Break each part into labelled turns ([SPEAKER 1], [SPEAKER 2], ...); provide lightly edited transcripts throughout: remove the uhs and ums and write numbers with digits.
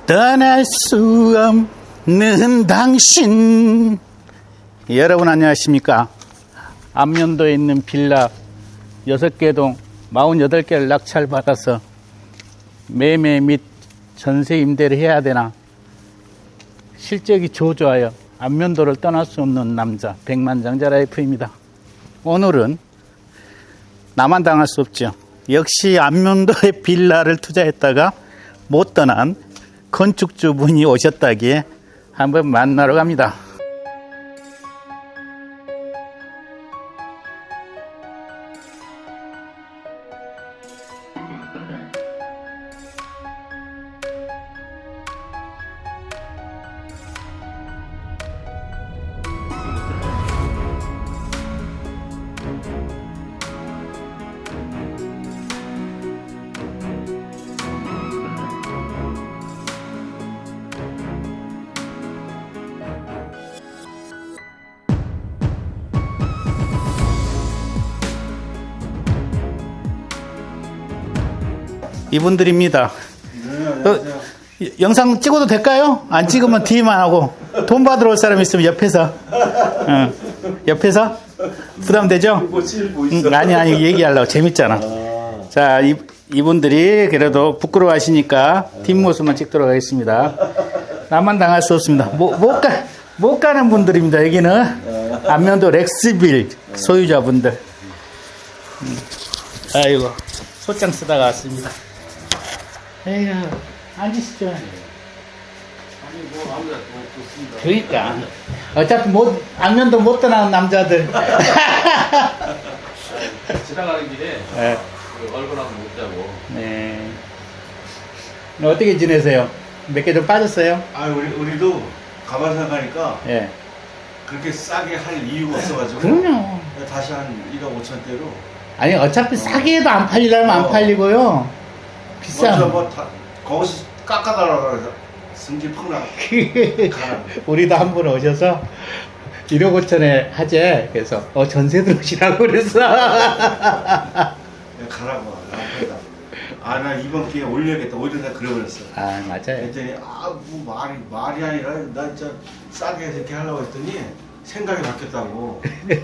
[SPEAKER 1] 떠날 수 없는 당신. 여러분 안녕하십니까? 안면도에 있는 빌라 6개 동 48개를 낙찰받아서 매매 및 전세 임대를 해야 되나 실적이 저조하여 안면도를 떠날 수 없는 남자 백만장자 라이프입니다. 오늘은 나만 당할 수 없죠. 역시 안면도에 빌라를 투자했다가 못 떠난 건축주분이 오셨다기에 한번 만나러 갑니다. 이분들입니다. 영상 찍어도 될까요? 안 찍으면 뒤만 하고 돈 받으러 올 사람 있으면 옆에서 옆에서 부담되죠? 아니 얘기하려고 재밌잖아. 자, 이분들이 그래도 부끄러워하시니까 뒷모습만 찍도록 하겠습니다. 나만 당할 수 없습니다. 못 가는 분들입니다. 여기는 안면도 렉스빌 소유자분들. 아이고 소장 쓰다가 왔습니다. 에휴, 앉으시죠. 아니, 뭐, 아무래도 좋습니다. 그러니까. 어차피 안면도 못 떠나는 남자들.
[SPEAKER 2] 지나가는 길에,
[SPEAKER 1] 네.
[SPEAKER 2] 얼굴하고 못 자고.
[SPEAKER 1] 네. 어떻게 지내세요? 몇 개 좀 빠졌어요?
[SPEAKER 3] 아, 우리도 가만 생각하니까
[SPEAKER 1] 예.
[SPEAKER 3] 그렇게 싸게 할 이유가 없어가지고.
[SPEAKER 1] 그럼요.
[SPEAKER 3] 다시 한 1억 5천대로.
[SPEAKER 1] 아니, 어차피 싸게 해도 안 팔리려면 안 팔리고요. 비싸.
[SPEAKER 3] 거기서 깎아달라고 해서 승질 팍 나.
[SPEAKER 1] 우리도 한 분 오셔서 1억 5천에 하재. 그래서, 전세 들어오시라고 그랬어.
[SPEAKER 3] 가라고. 나 이번 기회에 올려야겠다. 오히려 내가 그래버렸어.
[SPEAKER 1] 아, 맞아요.
[SPEAKER 3] 그랬더니, 뭐 말이 아니라, 나 진짜 싸게 이렇게 하려고 했더니, 생각이 바뀌었다고.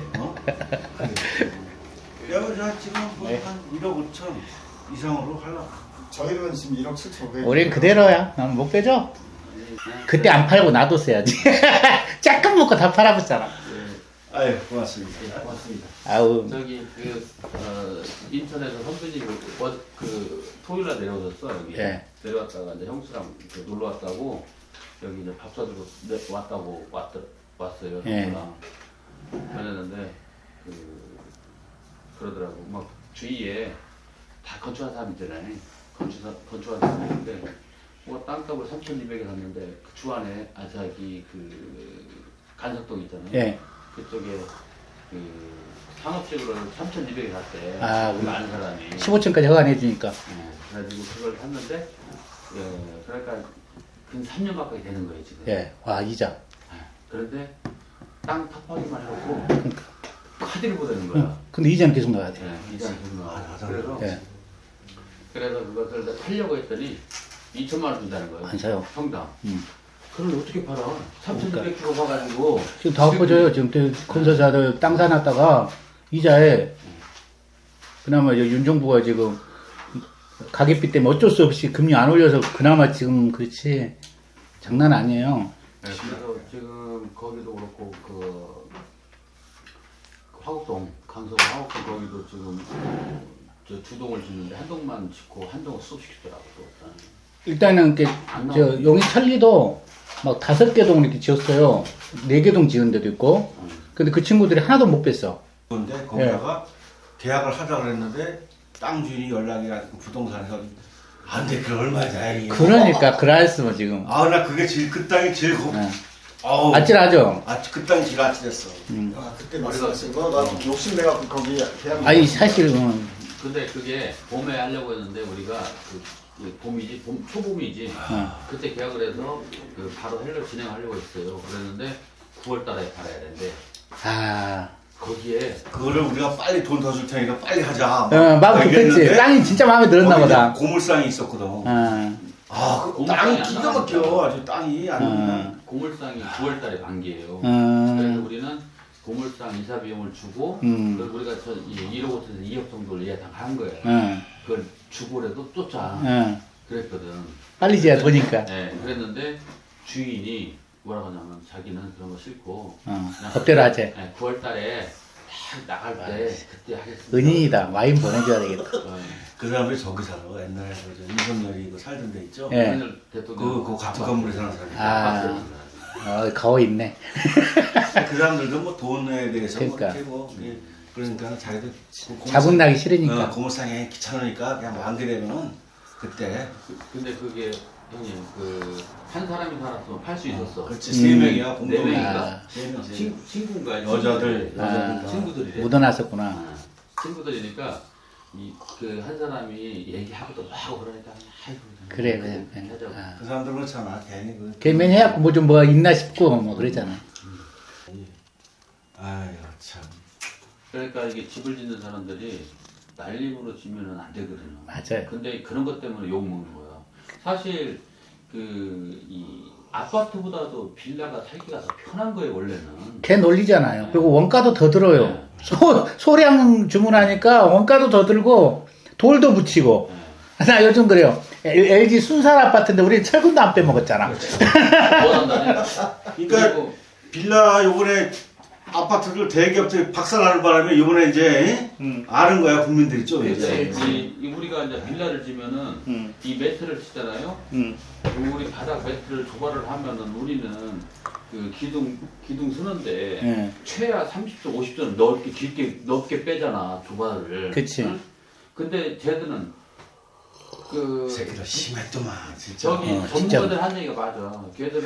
[SPEAKER 3] 내가 지금
[SPEAKER 1] 네.
[SPEAKER 3] 한 1억 5천 이상으로 하려고.
[SPEAKER 4] 저희는 지금 1억 7,500.
[SPEAKER 1] 우린 그대로야. 난 못 빼줘. 그때 안 팔고 놔뒀어야지. 잠깐 먹고 다 팔아봤잖아.
[SPEAKER 3] 아유, 고맙습니다. 고맙습니다.
[SPEAKER 1] 아우.
[SPEAKER 2] 저기, 인천에서 선배님이 토요일날 내려오셨어, 여기.
[SPEAKER 1] 예.
[SPEAKER 2] 내려왔다가 이제 형수랑 놀러 왔다고, 여기 이제 밥 사주고 왔다고 왔어요,
[SPEAKER 1] 예.
[SPEAKER 2] 형수랑. 그랬는데, 그러더라고. 막 주위에 다 건축한 사람 있잖아요. 건축한 사람이 있는데, 뭐 땅값을 3,200에 샀는데, 그 주 안에 아사기 간석동 있잖아요.
[SPEAKER 1] 예.
[SPEAKER 2] 그쪽에 상업적으로 3,200에 샀대.
[SPEAKER 1] 아,
[SPEAKER 2] 우리 아는 사람이.
[SPEAKER 1] 15층까지 허가내주니까.
[SPEAKER 2] 그래가지고 그걸 샀는데, 그러니까 근 3년 가까이 되는 거예요, 지금.
[SPEAKER 1] 예. 와, 이자.
[SPEAKER 2] 그런데 땅 탑하기만 해놓고 카드를 보내는 거야.
[SPEAKER 1] 근데 이자는 계속 나와야 돼.
[SPEAKER 2] 이자는 계속 나와. 그래서,
[SPEAKER 1] 예.
[SPEAKER 2] 그래서 그것을 팔려고 했더니 2천만 원 준다는 거예요.
[SPEAKER 1] 안 사요.
[SPEAKER 2] 평당.
[SPEAKER 1] 음.
[SPEAKER 2] 그걸 어떻게 팔아? 3,200 주고 사가지고.
[SPEAKER 1] 지금 다 엎어져요. 지금 건설사들 땅 사놨다가 이자에 그나마 윤정부가 지금 가계비 때문에 어쩔 수 없이 금리 안 올려서 그나마 지금 그렇지 장난 아니에요.
[SPEAKER 2] 네, 그래서 지금 거기도 그렇고 화곡동 강서 화곡동 거기도 지금 저 두동을 짓는데 한 동만 짓고 한 동을 수업시키더라고.
[SPEAKER 1] 일단은 저 용인 천리도 막 5개 동을 이렇게 지었어요. 4개 동 지은 데도 있고. 근데 그 친구들이 하나도 못 뺐어.
[SPEAKER 3] 그런데 거기다가 계약을 하자 그랬는데 땅 주인이 연락이 와서 부동산에서 안 돼, 그 얼마야 다행이야.
[SPEAKER 1] 그러니까 그라했으면 지금.
[SPEAKER 3] 나 그게 그 땅이 제일
[SPEAKER 1] 아찔하죠.
[SPEAKER 3] 그 땅이 제일 아찔했어.
[SPEAKER 4] 그때 말씀하신 거, 나 욕심내갖고 거기 계약.
[SPEAKER 1] 아니 사실은
[SPEAKER 2] 근데 그게 봄에 하려고 했는데 우리가 봄이지, 초봄이지. 그때 계약을 해서 바로 헬로 진행하려고 했어요. 그랬는데 9월 달에 팔아야 되는데. 거기에
[SPEAKER 3] 그거를 우리가 빨리 돈 더 줄 테니까 빨리 하자.
[SPEAKER 1] 마음 급했지. 땅이 진짜 마음에 들었나 보다.
[SPEAKER 3] 고물상이 있었거든. 그 땅이 기가 막혀. 아주 땅이 아주 그냥.
[SPEAKER 2] 고물상이 9월달에 반기예요.
[SPEAKER 1] 음.
[SPEAKER 2] 그래서 우리는 고물상 이사 비용을 주고 그걸 우리가 1억 5천에서 2억 정도를 예상한 거예요. 그걸 주고라도 쫓아 그랬거든.
[SPEAKER 1] 빨리 지어야 되니까.
[SPEAKER 2] 네, 그랬는데 주인이 뭐라고 하냐면 자기는 그런 거 싫고 그냥
[SPEAKER 1] 법대로 하지.
[SPEAKER 2] 네, 9월달에 딱 나갈 때 그때 하겠습니다.
[SPEAKER 1] 은인이다. 와인 보내줘야 되겠다.
[SPEAKER 3] 그 사람들이 저기 살아. 옛날에 윤석열이 살던 데 있죠.
[SPEAKER 1] 예.
[SPEAKER 2] 윤석열 대통령
[SPEAKER 3] 그 같은 건물에 사는 사람이.
[SPEAKER 1] 가오 있네.
[SPEAKER 3] 그 사람들도 뭐 돈에 대해서
[SPEAKER 1] 그러니까.
[SPEAKER 3] 뭐 이렇게 뭐 그러니까 자기들
[SPEAKER 1] 자국 나기 싫으니까.
[SPEAKER 3] 고물상에 귀찮으니까 그냥 만게 되면은 그때
[SPEAKER 2] 근데 그게 형님 한 사람이 살았으면 팔 수 있었어.
[SPEAKER 3] 그렇지 3명이야
[SPEAKER 2] 네
[SPEAKER 3] 공동이
[SPEAKER 2] 명인가?
[SPEAKER 3] 3명
[SPEAKER 2] 친구인가?
[SPEAKER 3] 여자들
[SPEAKER 2] 친구들이래.
[SPEAKER 1] 묻어놨었구나.
[SPEAKER 2] 친구들이니까 그 한 사람이 얘기하고 또 하고 그러니까 아이고
[SPEAKER 1] 그래.
[SPEAKER 2] 하자고.
[SPEAKER 3] 그 사람들 그렇잖아 괜히
[SPEAKER 1] 개면 해갖고 뭐 좀 뭐가 있나 싶고 뭐 그러잖아.
[SPEAKER 3] 아유 참
[SPEAKER 2] 그러니까 이게 집을 짓는 사람들이 날림으로 지면은 안 되거든요.
[SPEAKER 1] 맞아요.
[SPEAKER 2] 근데 그런 것 때문에 욕 먹는 거야. 사실 이 아파트보다도 빌라가 살기가 더 편한 거예요 원래는.
[SPEAKER 1] 걔 놀리잖아요. 그리고 원가도 더 들어요. 소량 주문하니까 원가도 더 들고 돌도 붙이고. 나 요즘 그래요. LG 순살 아파트인데 우리 철근도 안 빼먹었잖아.
[SPEAKER 2] 뭐 한다네.
[SPEAKER 3] 그러니까 빌라 요번에 아파트들 대기업들이 박살나는 바람에 요번에 이제 아는 거야 국민들이 좀 이제
[SPEAKER 2] 우리가 이제 빌라를 지면은 이 매트를 치잖아요. 우리 바닥 매트를 조발을 하면은 우리는 그 기둥 서는데 최하 30점 50점 넓게 빼잖아 조발을.
[SPEAKER 1] 그치.
[SPEAKER 2] 응? 근데 쟤들은
[SPEAKER 3] 새끼들 심했더만 진짜
[SPEAKER 2] 저기
[SPEAKER 1] 진짜.
[SPEAKER 2] 전문가들 한 얘기가 맞아. 걔들은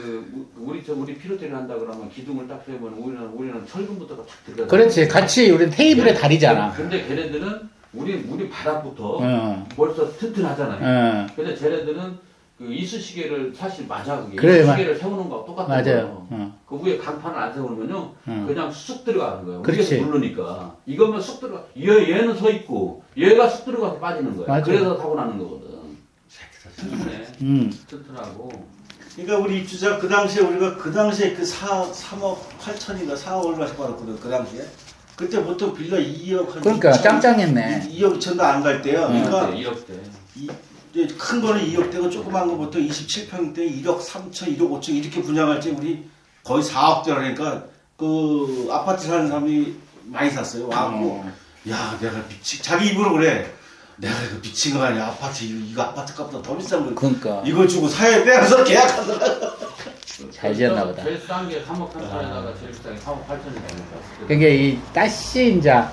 [SPEAKER 2] 우리 피로테를 한다 그러면 기둥을 딱 세면 우리는 철근부터가 탁 들어가.
[SPEAKER 1] 그렇지. 같이 우리 테이블에 다리잖아.
[SPEAKER 2] 근데 걔네들은 우리 바닥부터 벌써 튼튼하잖아요. 근데 쟤네들은 그 이쑤시개를 사실 맞아 그게.
[SPEAKER 1] 그래,
[SPEAKER 2] 이쑤시개를 세우는 거하고 똑같은
[SPEAKER 1] 맞아요.
[SPEAKER 2] 거예요. 그 위에 강판을 안 세우면요 그냥 쑥 들어가는 거예요.
[SPEAKER 1] 그렇지.
[SPEAKER 2] 위에서 누르니까 이거면 쑥 들어가. 얘는 서 있고 얘가 쑥 들어가서 빠지는 거야.
[SPEAKER 1] 맞아요.
[SPEAKER 2] 그래서 사고 나는 거거든.
[SPEAKER 3] 새끼들
[SPEAKER 2] 튼튼해. 튼튼하고.
[SPEAKER 3] 그러니까 우리 입주자 그 당시에 우리가 그 3억 8천인가 4억 얼마씩 받았거든 그 당시에. 그때 보통 빌라 2억 한
[SPEAKER 1] 그러니까
[SPEAKER 3] 2천,
[SPEAKER 1] 짱짱했네.
[SPEAKER 3] 2억 2천도 안 갈 때요. 그러니까
[SPEAKER 2] 1억대.
[SPEAKER 3] 이제 큰 거는 2억대고 조그만 거 보통 27평대 1억 3천, 1억 5천 이렇게 분양할 때 우리 거의 4억대라니까 그 아파트 사는 사람이 많이 샀어요. 와갖고 야 내가 자기 입으로 그래. 내가 이거 미친 거 아니야. 아파트 이거 아파트 값보다 더 비싼 거.
[SPEAKER 1] 그러니까.
[SPEAKER 3] 이거 주고 사야 빼서 계약하더라.
[SPEAKER 1] 잘 지었나 보다.
[SPEAKER 2] 제일 싼 게 3억 3천에다가 제일 비싼 게 3억 8천이니까.
[SPEAKER 1] 그게 이 다시 이제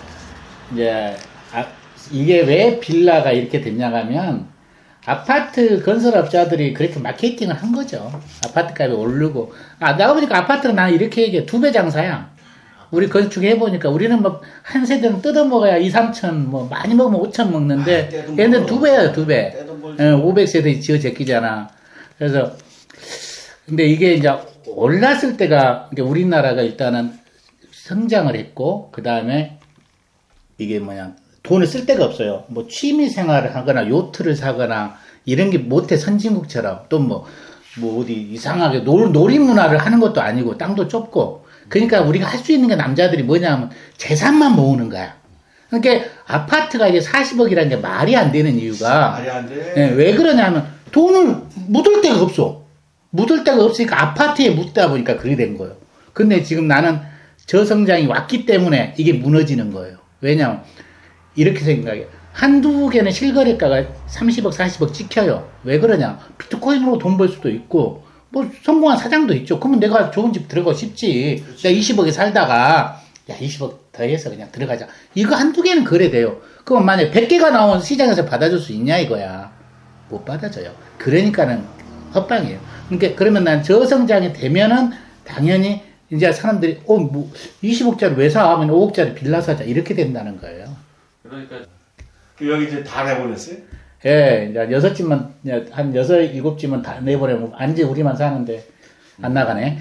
[SPEAKER 1] 이게 왜 빌라가 이렇게 됐냐면 하 아파트 건설업자들이 그렇게 마케팅을 한 거죠. 아파트 값이 오르고. 나가 보니까 아파트는 나는 이렇게 얘기해. 2배 장사야. 우리 건축해보니까 우리는 뭐 한 세대는 뜯어먹어야 2, 3천, 뭐 많이 먹으면 5천 먹는데 얘는 2배야, 2배. 500세대 지어 제끼잖아. 그래서 근데 이게 이제 올랐을 때가 이게 우리나라가 일단은 성장을 했고 그 다음에 이게 돈을 쓸 데가 없어요. 뭐 취미 생활을 하거나 요트를 사거나 이런 게 못해 선진국처럼 또 뭐 어디 이상하게 놀이 문화를 하는 것도 아니고 땅도 좁고 그러니까 우리가 할 수 있는 게 남자들이 뭐냐면 재산만 모으는 거야. 그러니까 아파트가 이게 40억이라는 게 말이 안 되는 이유가
[SPEAKER 3] 말이 안 돼.
[SPEAKER 1] 왜 그러냐면 돈을 묻을 데가 없어. 묻을 데가 없으니까 아파트에 묻다 보니까 그렇게 된 거예요. 근데 지금 나는 저성장이 왔기 때문에 이게 무너지는 거예요. 왜냐면 이렇게 생각해. 한두 개는 실거래가가 30억, 40억 찍혀요. 왜 그러냐? 비트코인으로 돈 벌 수도 있고, 뭐 성공한 사장도 있죠. 그러면 내가 좋은 집 들어가고 싶지.
[SPEAKER 3] 그렇지.
[SPEAKER 1] 내가 20억에 살다가, 야, 20억 더해서 그냥 들어가자. 이거 한두 개는 거래돼요. 그럼 만약에 100개가 나온 시장에서 받아줄 수 있냐 이거야. 못 받아줘요. 그러니까는 헛방이에요. 그러니까 그러면 난 저성장이 되면은 당연히 이제 사람들이, 20억짜리 왜 사? 하면 5억짜리 빌라 사자. 이렇게 된다는 거예요.
[SPEAKER 2] 그러니까
[SPEAKER 3] 여기 이제 다 내보냈어요?
[SPEAKER 1] 예, 이제 6집만, 한 6, 7집만 다 내보내면, 안지 우리만 사는데, 안 나가네.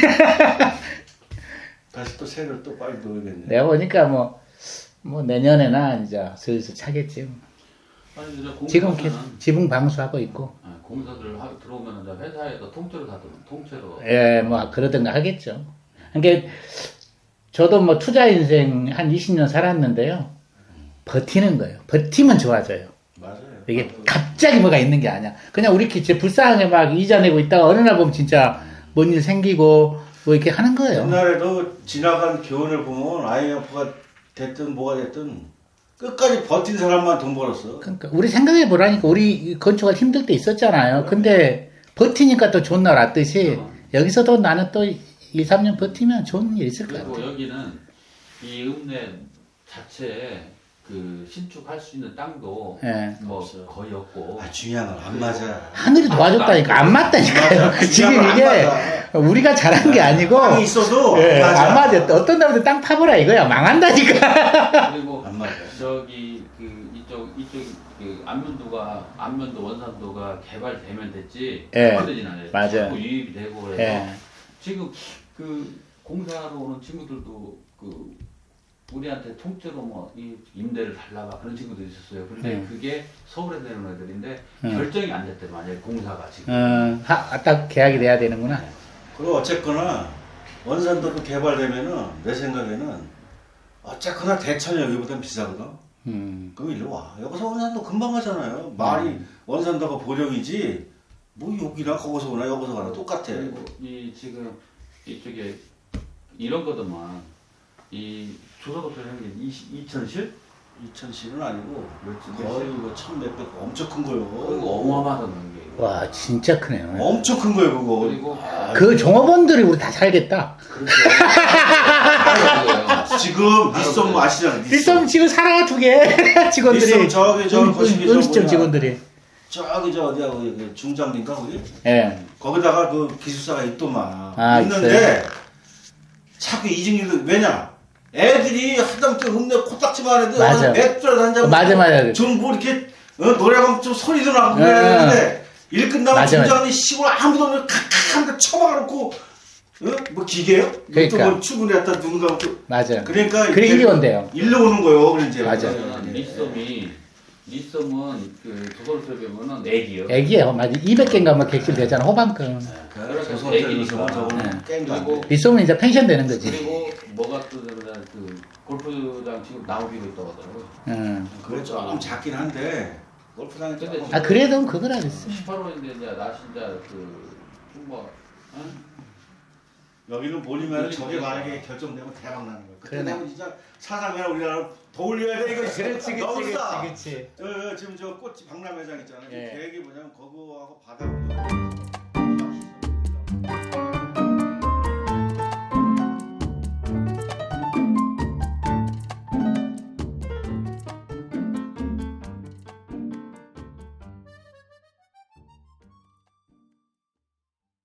[SPEAKER 3] 다시 또 새를 또 빨리 넣어야겠네.
[SPEAKER 1] 내가 보니까 뭐 내년에나 이제 슬슬 차겠지.
[SPEAKER 2] 아니,
[SPEAKER 1] 지금 지붕 방수하고 있고.
[SPEAKER 2] 공사들 들어오면 이제 회사에서 통째로 다 통째로.
[SPEAKER 1] 예, 뭐 그러든가 하겠죠. 그러니까 저도 뭐 투자 인생 한 20년 살았는데요. 버티는 거예요. 버티면 좋아져요.
[SPEAKER 3] 맞아요.
[SPEAKER 1] 이게 갑자기 뭐가 있는 게 아니야. 그냥 우리끼리 진짜 불쌍하게 막 이자 내고 있다가 어느 날 보면 진짜 뭔 일 생기고 뭐 이렇게 하는 거예요.
[SPEAKER 3] 옛날에도 지나간 교훈을 보면 IMF가 됐든 뭐가 됐든 끝까지 버틴 사람만 돈 벌었어.
[SPEAKER 1] 그러니까 우리 생각해 보라니까 우리 건축가 힘들 때 있었잖아요. 근데 버티니까 또 좋은 날 왔듯이 여기서도 나는 또 2, 3년 버티면 좋은 일 있을 것
[SPEAKER 2] 그리고
[SPEAKER 1] 같아요.
[SPEAKER 2] 여기는 이 읍내 자체에 그 신축할 수 있는 땅도
[SPEAKER 1] 예.
[SPEAKER 2] 뭐
[SPEAKER 3] 없어요.
[SPEAKER 2] 거의 없고.
[SPEAKER 3] 아 중요한 건 안 맞아.
[SPEAKER 1] 하늘이 도와줬다니까 안 맞다니까요.
[SPEAKER 3] 맞아.
[SPEAKER 1] 지금
[SPEAKER 3] 중요한
[SPEAKER 1] 이게
[SPEAKER 3] 건안 맞아.
[SPEAKER 1] 우리가 잘한 게 아니고
[SPEAKER 3] 땅이 있어도
[SPEAKER 1] 예,
[SPEAKER 3] 안 맞아.
[SPEAKER 1] 안 맞아. 어떤 날부터 땅 파보라 이거야. 망한다니까.
[SPEAKER 2] 그리고
[SPEAKER 3] 안 맞아.
[SPEAKER 2] 저기 그 이쪽 그 안면도 원산도가 개발되면 됐지.
[SPEAKER 1] 예,
[SPEAKER 2] 되진 않아요.
[SPEAKER 1] 맞아요.
[SPEAKER 2] 자꾸 유입이 되고 그래서
[SPEAKER 1] 예.
[SPEAKER 2] 지금 그 공사하러 오는 친구들도 그 우리한테 통째로 뭐 이 임대를 달라가 그런 친구도 있었어요. 근데 그게 서울에 내는 애들인데 결정이 안 됐대 만약에 공사가 지금.
[SPEAKER 1] 딱 계약이 돼야 되는구나.
[SPEAKER 3] 그리고 어쨌거나 원산도로 개발되면은 내 생각에는 어쨌거나 대천 여기보단 비싸거든. 그럼 일로 와. 여기서 원산도 금방 가잖아요. 말이 원산도가 보령이지 뭐 여기나 거기서 오나 여기서 가나 똑같아.
[SPEAKER 2] 그리고 이 지금 이쪽에 이런 거더만 이 조선업소 하는 게 2000실?
[SPEAKER 3] 2000실은 아니고
[SPEAKER 2] 몇십
[SPEAKER 3] 거의 뭐 1000몇백 엄청 큰 거요.
[SPEAKER 2] 그거 어마어마하던 게.
[SPEAKER 1] 와 진짜 크네요.
[SPEAKER 3] 엄청 큰 거예요 그거.
[SPEAKER 2] 그리고
[SPEAKER 1] 그 종업원들이 우리 다 살겠다.
[SPEAKER 3] 지금 니썸 아시잖아요.
[SPEAKER 1] 일선 지금 살아 두 개. 직원들이
[SPEAKER 3] 일선 저기 저 거시기 저
[SPEAKER 1] 음식점
[SPEAKER 3] 뭐냐.
[SPEAKER 1] 직원들이.
[SPEAKER 3] 저기 저 어디야 거기 그 중장인가 거기?
[SPEAKER 1] 예.
[SPEAKER 3] 거기다가 그 기숙사가 있더만.
[SPEAKER 1] 아,
[SPEAKER 3] 있는데 자꾸 이직률도 왜냐? 애들이 하다못해 읍내 코딱지만 해도
[SPEAKER 1] 맞아.
[SPEAKER 3] 맥주라도 한잔
[SPEAKER 1] 맞아.
[SPEAKER 3] 좀뭐 이렇게 노래방 좀 소리도 나고
[SPEAKER 1] 예.
[SPEAKER 3] 그러는데 일 끝나면
[SPEAKER 1] 맞아.
[SPEAKER 3] 중장이 시골 아무도 없는 칵칵한데 쳐박아놓고 뭐 기계요?
[SPEAKER 1] 그러니까.
[SPEAKER 3] 또 출근했다 누군가 또
[SPEAKER 1] 맞아.
[SPEAKER 3] 그러니까
[SPEAKER 1] 그래
[SPEAKER 3] 이렇게
[SPEAKER 1] 일이 온대요.
[SPEAKER 3] 일로 오는 거요. 그런 이제
[SPEAKER 1] 맞아.
[SPEAKER 2] 리썸은 그 조선업소에 보면은 애기요.
[SPEAKER 1] 애기예요. 맞아. 200개인가 뭐 객실 되잖아. 호반권.
[SPEAKER 3] 조선
[SPEAKER 2] 애기니까.
[SPEAKER 3] 저거는 게임도 안
[SPEAKER 2] 그리고
[SPEAKER 3] 돼.
[SPEAKER 1] 리소면 이제 펜션 되는 거지.
[SPEAKER 2] 그리고 뭐가 또 그러냐 그 골프장 지금 나오기로 있다고 하더라고요.
[SPEAKER 3] 그래 좀 작긴 한데 골프장에
[SPEAKER 2] 근데
[SPEAKER 3] 조금
[SPEAKER 1] 아 그래도 그거라 그랬어.
[SPEAKER 2] 18호인데 이제 나 진짜 그 뭐
[SPEAKER 3] 여기는 몰리면
[SPEAKER 2] 몰리면
[SPEAKER 3] 저게
[SPEAKER 2] 되겠다.
[SPEAKER 3] 만약에 결정되면 대박 나는 거야. 그때
[SPEAKER 1] 그러네.
[SPEAKER 3] 되면 진짜 사상이나 우리나라 더 올려야 돼 이거. 너무 싸.
[SPEAKER 1] 그렇지.
[SPEAKER 3] 지금 저 꽃 박람회장 있잖아요.
[SPEAKER 1] 예.
[SPEAKER 3] 계획이 뭐냐면 거기